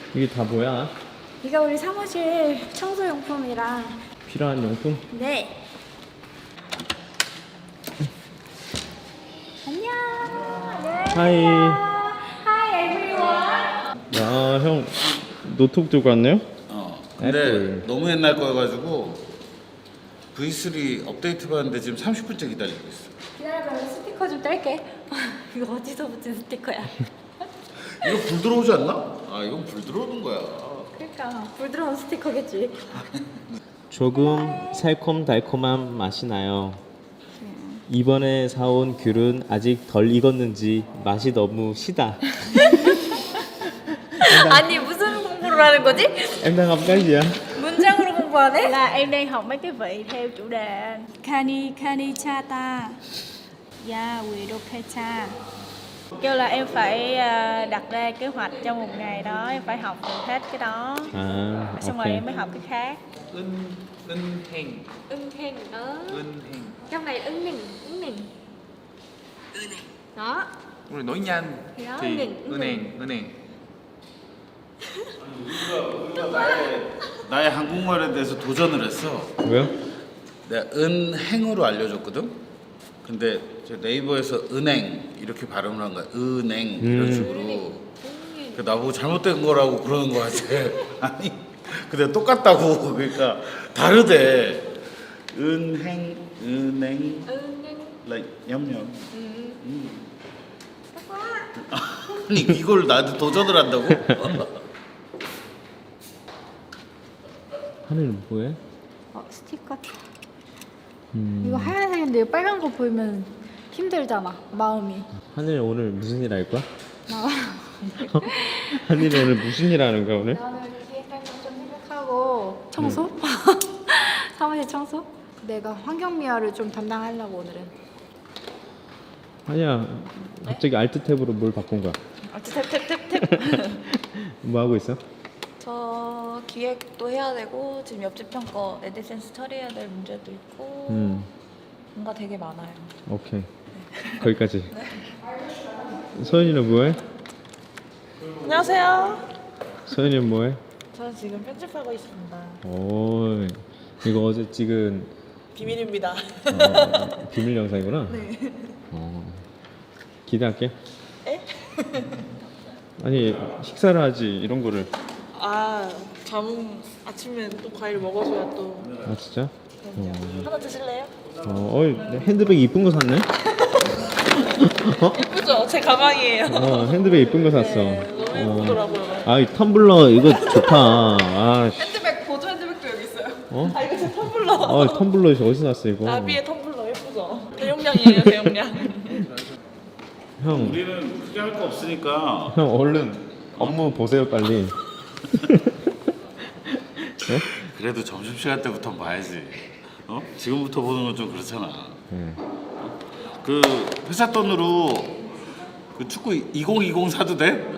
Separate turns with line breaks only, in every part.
이게 다 뭐야?
이거 우리 사무실 청소용품이랑.
필요한 용품?
네. 안녕.
하이.
Hi everyone.
야, 형 노트북 들고 왔네요?
근데
애플.
너무 옛날 거여가지고 V3 업데이트 받는데 지금 30분째 기다리고 있어.
기다려봐, 스티커 좀 뗄게. 이거 어디서 붙인 스티커야?
이거 불 들어오지 않나? 아 이건 불 들어오는 거야.
그러니까 불 들어온 스티커겠지.
조금 새콤달콤한 맛이 나요. 이번에 사온 귤은 아직 덜 익었는지 맛이 너무 시다.
아니 무슨 공부를 하는 거지?
Em đang học cái gì ạ?
문장으로 공부하네?
Là em đang học mấy cái vị theo chủ đề Kani Kani Chata Ya Widoketa. Kêu là em phải đặt ra kế hoạch trong một ngày đó, em phải học được hết cái đó.
À,
Xong rồi
ok.
em mới học cái khác.
은행.
은행 đó.
은행.
Trong này 은행. Đó.
우리 nói nhanh
Thì đó,
thì
은행.
은행.
나의 한국말에 대해서 도전을 했어.
왜요?
내가 은행으로 알려줬거든. 근데 저 네이버에서 은행 이렇게 발음을 한 거야. 은행 이런 식으로. 그 나보고 잘못된 거라고 그러는 거 같아. 아니, 근데 똑같다고. 그러니까 다르대. 은행, 은행,
은행.
냠냠. 아니 이걸 나한테 도전을 한다고?
하늘은 뭐해?
스티커. 이거 하얀색인데 이거 빨간 거 보이면 힘들잖아. 마음이.
하늘 오늘 무슨 일 할 거야?
나
하늘이 오늘 무슨 일 하는 거야 오늘?
나는 기획할 거좀 생각하고 청소? 사무실 청소? 내가 환경미화를 좀 담당하려고 오늘은.
아니야 갑자기 알트 탭으로 뭘 바꾼 거야?
탭.
뭐 하고 있어?
저 기획도 해야 되고 지금 옆집 형 거 에디센스 처리해야 될 문제도 있고 뭔가 되게 많아요.
오케이 거기까지. 서연이는 뭐해?
안녕하세요.
서연이는 뭐해?
저는 지금 편집하고 있습니다.
오 이거 어제 찍은
비밀입니다.
비밀 영상이구나. 네. 기대할게.
에?
아니 식사를 하지 이런 거를.
아, 아침에 또 과일 먹어줘야 또.
아 진짜?
하나 드실래요?
핸드백 이쁜 거 샀네?
예쁘죠? 제 가방이에요.
핸드백 이쁜 거 샀어.
너무 예쁘더라고요.
아, 이 텀블러 이거 좋다. 아, 씨.
핸드백 보조 핸드백도 여기 있어요.
어?
아, 이거 제 텀블러.
텀블러 어디서 났어 이거?
나비의 텀블러 예쁘죠? 대용량이에요, 대용량.
형,
우리는 크게 할 거 없으니까
형 얼른 업무 보세요 빨리.
그래도 점심시간 때부터 봐야지. 지금부터 보는 건 좀 그렇잖아. 그 회사 돈으로 그 축구 2020 사도 돼?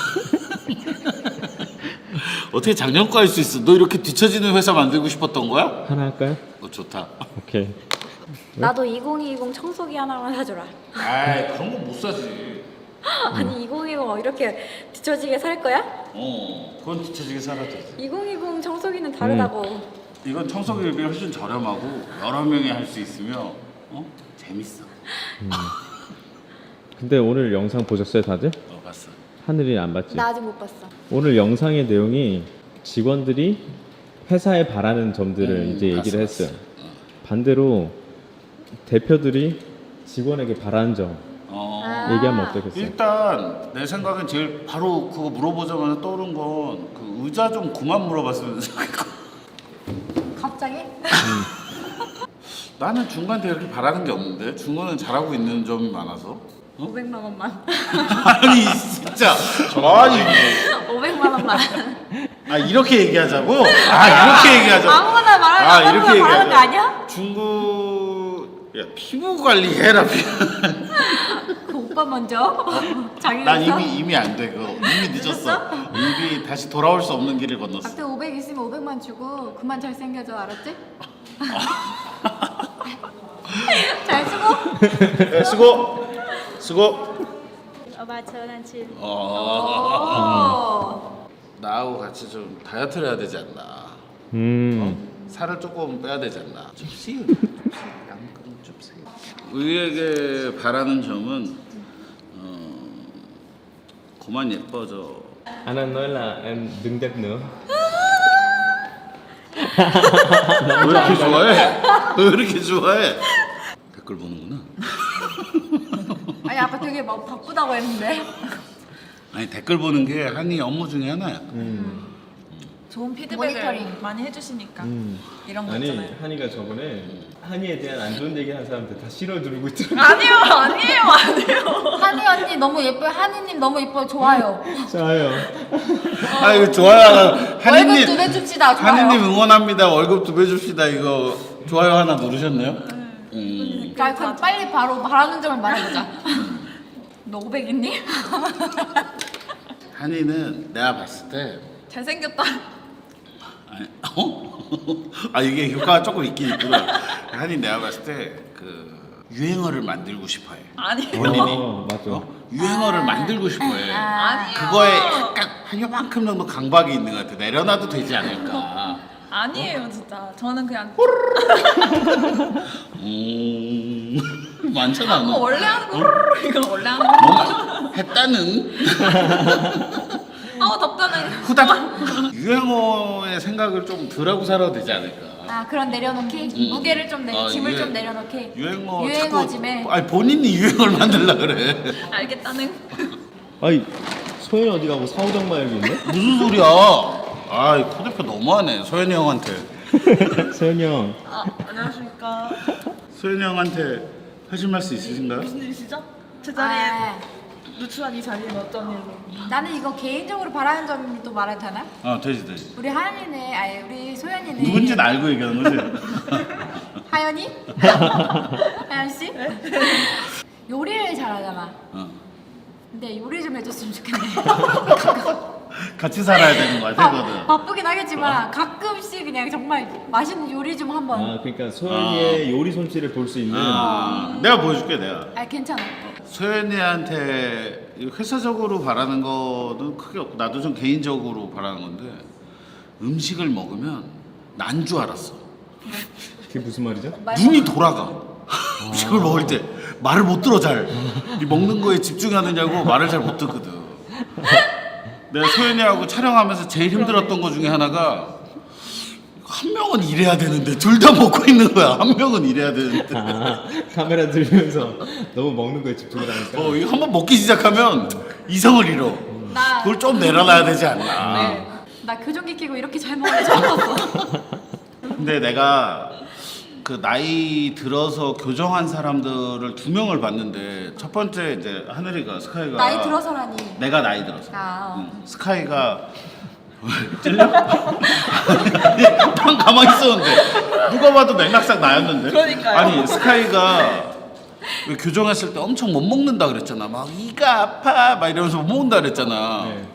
어떻게 작년 거 할 수 있어? 너 이렇게 뒤처지는 회사 만들고 싶었던 거야?
하나 할까요?
좋다.
오케이.
나도 2020 청소기 하나만 사줘라.
아이 그런 거 못 사지.
아니 2020 이렇게 뒤처지게 살 거야?
그건 뒤처지게 살아도 돼.
2020 청소기는 다르다고.
이건 청소기비 훨씬 저렴하고 여러 명이 할 수 있으며 재밌어.
근데 오늘 영상 보셨어요 다들?
봤어.
하늘이 안 봤지?
나 아직 못 봤어.
오늘 영상의 내용이 직원들이 회사에 바라는 점들을 이제 얘기를
봤어.
했어요. 반대로 대표들이 직원에게 바라는 점 얘기하면 어떻겠어요?
일단 내 생각엔 제일 바로 그거 물어보자마자 떠오른 건 그 의자 좀 그만 물어봤으면 좋겠고.
갑자기?
나는 중간에 그렇게 바라는 게 없는데 중간은 잘하고 있는 점이 많아서.
500만 원만.
아니 진짜 아니
500만 원만.
이렇게 얘기하자고? 이렇게 얘기하자고?
아무거나 말하는
이렇게
말하는 거 아니야?
중국 야 피부 관리해라.
그 오빠 먼저. 자기
난 이미 안 돼. 그거 이미 늦었어. 이미 다시 돌아올 수 없는 길을 건넜어.
앞에 500 있으면 500만 주고 그만 잘생겨져 알았지? 잘 쓰고.
수고.
Ở ba chơi anh chị.
오.
Now 같이 좀 다이어트를 해야 되지 않나. 살을 조금 빼야 되지 않나. 줍시. 양금 줍시. 우리에게 바라는 점은 그만 예뻐져.
Anh nói là em đừng đẹp nữa.
왜 이렇게 좋아해? 왜 이렇게 좋아해? 댓글 보는구나.
아니 아까 되게 막 바쁘다고 했는데.
아니 댓글 보는 게 한이 업무 중에 하나야.
좋은 피드백을
모니터링.
많이 해주시니까 이런 거
아니
있잖아요.
한이가 저번에 한이에 대한 안 좋은 얘기 한 사람들 다 실어 두르고 있더라고.
아니에요.
한이 언니 너무 예뻐요. 한이님 너무 예뻐요. 좋아요.
좋아요.
아 이거 좋아요.
월급
한이님
2배 줍시다. 좋아요.
한이님 응원합니다. 월급 2배 줍시다. 이거 좋아요 하나 누르셨네요.
자, 그럼 빨리 바로 바라는 점을 말해보자. 너 500 있니?
한이는 내가 봤을 때
잘생겼다.
아니, 아 이게 효과가 조금 있긴 있구나. 한이 내가 봤을 때 그 유행어를 만들고 싶어해.
아니에요.
본인이
맞아.
유행어를 만들고 싶어해.
아니에요.
그거에 약간 한 요만큼 정도 강박이 있는 것 같아. 내려놔도 되지 않을까.
아니에요 진짜. 저는 그냥
많잖아.
그거
너.
원래 하는 거 이건 원래 하는 거.
뭔가 했다는
답답해.
후다닥. 유행어의 생각을 좀 덜하고 살아도 되지 않을까.
아, 그런 내려놓기? 무게를 좀 짐을
유행-
좀 내려놓기.
유행어
유행어짐에.
자꾸 아니 본인이 유행어를 만들려 그래.
알겠다는.
아니 소연이 어디 가고 사오정마 여기 있네?
무슨 소리야? 아, 코 대표 너무하네. 소연이 형한테.
소연이 형.
안녕하십니까.
소연이 형한테 하실 말씀 있으신가요?
무슨 일이시죠? 제 자리에
아,
누추한 이 자리는 어떤 일로?
나는 이거 개인적으로 바라는 점도 말해도 되나?
되지.
우리 하연이네, 아니 우리 소연이네.
누군지는 알고 얘기하는 거지.
하연이? 하연 씨? 요리를 잘하잖아. 근데 요리 좀 해줬으면 좋겠네.
같이 살아야 되는 거야, 되거든.
바쁘긴 하겠지만 가끔씩 그냥 정말 맛있는 요리 좀 한번.
아 그러니까 소연이의 요리 솜씨를 볼 수 있는.
내가 보여줄게, 내가.
아 괜찮아.
소연이한테 회사적으로 바라는 거는 크게 없고 나도 좀 개인적으로 바라는 건데 음식을 먹으면 난 줄 알았어.
그게 무슨 말이죠?
눈이 돌아가. 음식을 먹을 때 말을 못 들어 잘. 이 먹는 거에 집중하느냐고 말을 잘 못 듣거든. 내가 소연이하고 촬영하면서 제일 힘들었던 거 중에 하나가 한 명은 일해야 되는데 둘 다 먹고 있는 거야. 한 명은 일해야 되는데.
아 카메라 들면서 너무 먹는 거에 집중을 하니까.
이거 한번 먹기 시작하면 이성을 잃어.
나-
그걸 좀 내려놔야 되지 않나.
네. 나 교정기 끼고 이렇게 잘 먹는 줄 알았어.
근데 내가 그 나이 들어서 교정한 사람들을 2명을 봤는데 첫 번째 이제 하늘이가 스카이가
나이 들어서라니.
내가 나이 들어서
아,
스카이가 찔려? 난 가만히 있었는데 누가 봐도 맥락상 나였는데.
그러니까요.
아니 스카이가 왜 교정했을 때 엄청 못 먹는다 그랬잖아. 막 이가 아파 막 이러면서 못 먹는다 그랬잖아.
네.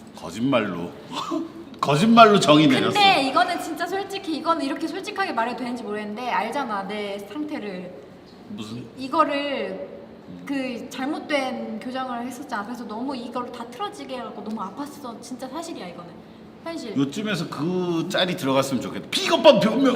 거짓말로 정이 내렸어.
근데 이거는 진짜 솔직히 이거는 이렇게 솔직하게 말해도 되는지 모르겠는데 알잖아 내 상태를.
무슨
이거를 그 잘못된 교정을 했었잖아. 그래서 너무 이걸 다 틀어지게 해갖고 너무 아팠어. 진짜 사실이야 이거는. 현실.
요쯤에서 그 짤이 들어갔으면 좋겠다. 비겁한 변명.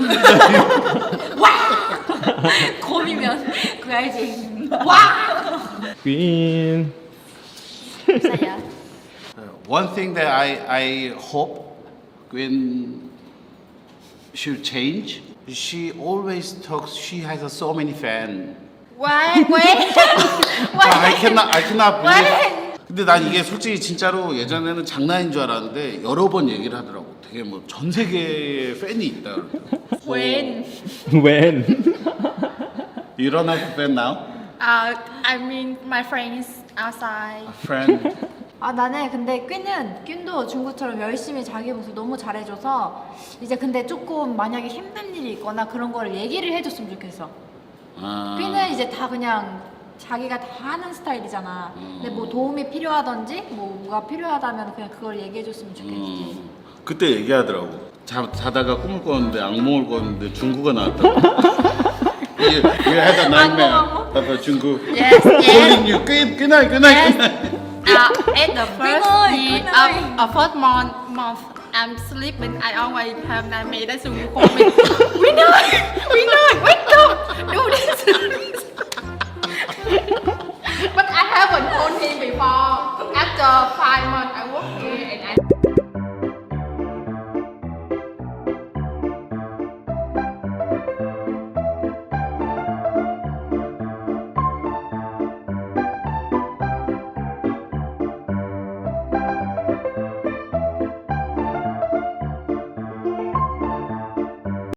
곰이면 그 알지. 와.
퀸.
사야.
One thing that I hope when she'll change, she always talks. She has so many fans.
Why?
I cannot believe. 근데 난 이게 솔직히 진짜로 예전에는 장난인 줄 알았는데 여러 번 얘기를 하더라고. 되게 뭐 전 세계에 팬이 있다.
웬?
When?
You don't have a fan now?
I mean my friends outside.
A friend?
아 나는 근데 퀸도 중국처럼 열심히 자기 모습 너무 잘해줘서 이제 근데 조금 만약에 힘든 일이 있거나 그런 거를 얘기를 해줬으면 좋겠어. 퀸은 이제 다 그냥 자기가 다 하는 스타일이잖아. 근데 뭐 도움이 필요하던지 뭐가 필요하다면 그냥 그걸 얘기해줬으면 좋겠지.
그때 얘기하더라고. 자다가 꿈을 꿨는데 악몽을 꿨는데 중국어 나왔다고. You had a nightmare about 중국.
Yes,
Calling you. Good night.
At the first
ơi,
year
good night.
of first month
I'm sleeping I always have nightmare that's why we call me we know wake up do this